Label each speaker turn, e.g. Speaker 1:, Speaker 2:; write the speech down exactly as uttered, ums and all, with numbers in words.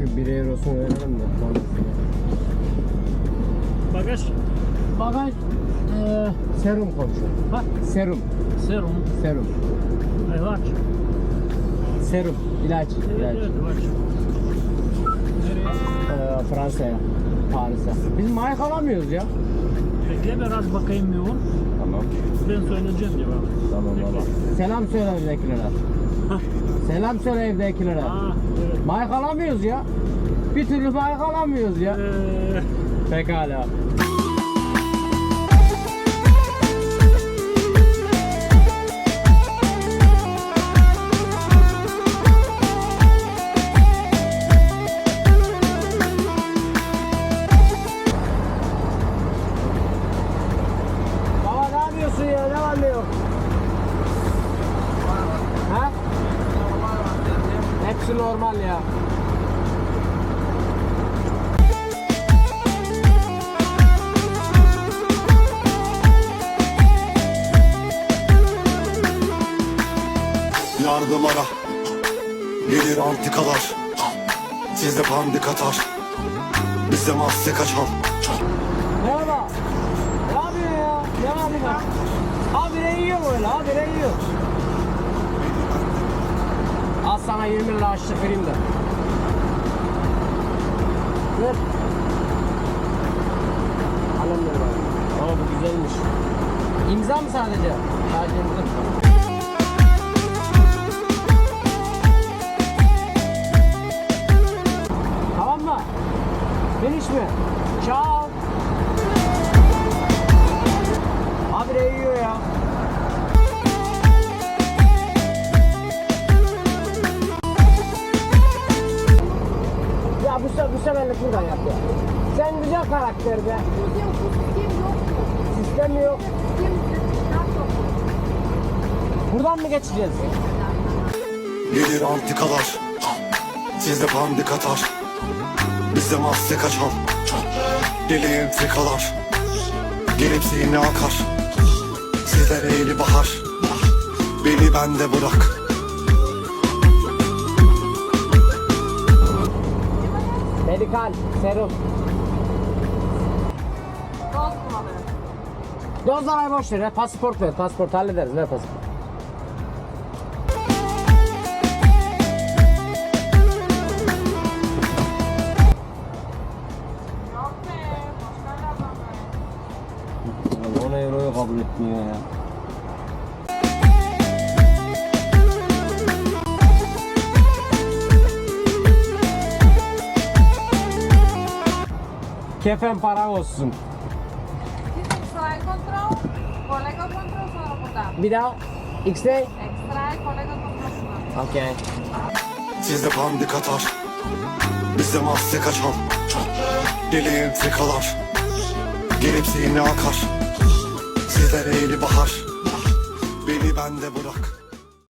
Speaker 1: şu bir eurosunu verelim de.
Speaker 2: Bagaj.
Speaker 1: Bagaj e, serum komşu.
Speaker 2: Ha?
Speaker 1: Serum.
Speaker 2: Serum.
Speaker 1: Serum.
Speaker 2: İlaç.
Speaker 1: Serum. İlaç.
Speaker 2: Evet,
Speaker 1: ilaç.
Speaker 2: evet, ilaç. Nereye?
Speaker 1: E, Fransa'ya. Paris'e. Biz Mike alamıyoruz ya.
Speaker 2: Bekle biraz bakayım yoğun.
Speaker 1: Tamam.
Speaker 2: Ben söyleyeceğim cevabı.
Speaker 1: Tamam baba. Selam söyle evdekilere. Selam söyle evdekilere.
Speaker 2: Aa, evet.
Speaker 1: Mike alamıyoruz ya. Bir türlü Mike alamıyoruz ya.
Speaker 2: Ee,
Speaker 1: Pekala. Baba ne yapıyorsun ya? Ne var ne yok? Ha? Hepsi normal ya.
Speaker 3: Yardım ara, gelir antikalar, sizde pandik atar, bizde maske kaçar.
Speaker 1: Ne baba? Ne yapıyorsun ya? Ne yapıyorsun ya? Habire yiyor böyle, habire yiyor. Al sana yirmi lira açlık vereyim de. Ver. Alın ver bana. Ama bu güzelmiş. İmza mı sadece? Sadece imza mı? Tamam mı? Finish mi? Ciao. Habire yiyor ya. Ya bu sefer bu seferlik buradan yap ya. Sen güzel karakter be. Sistem mi yok? Buradan mı geçeceğiz?
Speaker 3: Gelir antikalar, sizde pandik atar, bizde maske kaçar. Deli entrikalar, gelip zihni akar, sizde eğli bahar, beni bende bırak.
Speaker 1: Medikal, serum. Dozları boş ver ya. Pasaport ver. Pasaport hallederiz. Ver pasaport. on euroyu kabul etmiyor ya. Kefen para olsun.
Speaker 4: Extra control, colega control sonra burada.
Speaker 1: Bir daha. X-ray.
Speaker 4: Extra colega control sonra.
Speaker 1: Okay.
Speaker 3: Sizde pandik atar, bizde maske kaçar. Deli entrikalar, gelip zihni akar, sizde eğli bahar, beni bende bırak.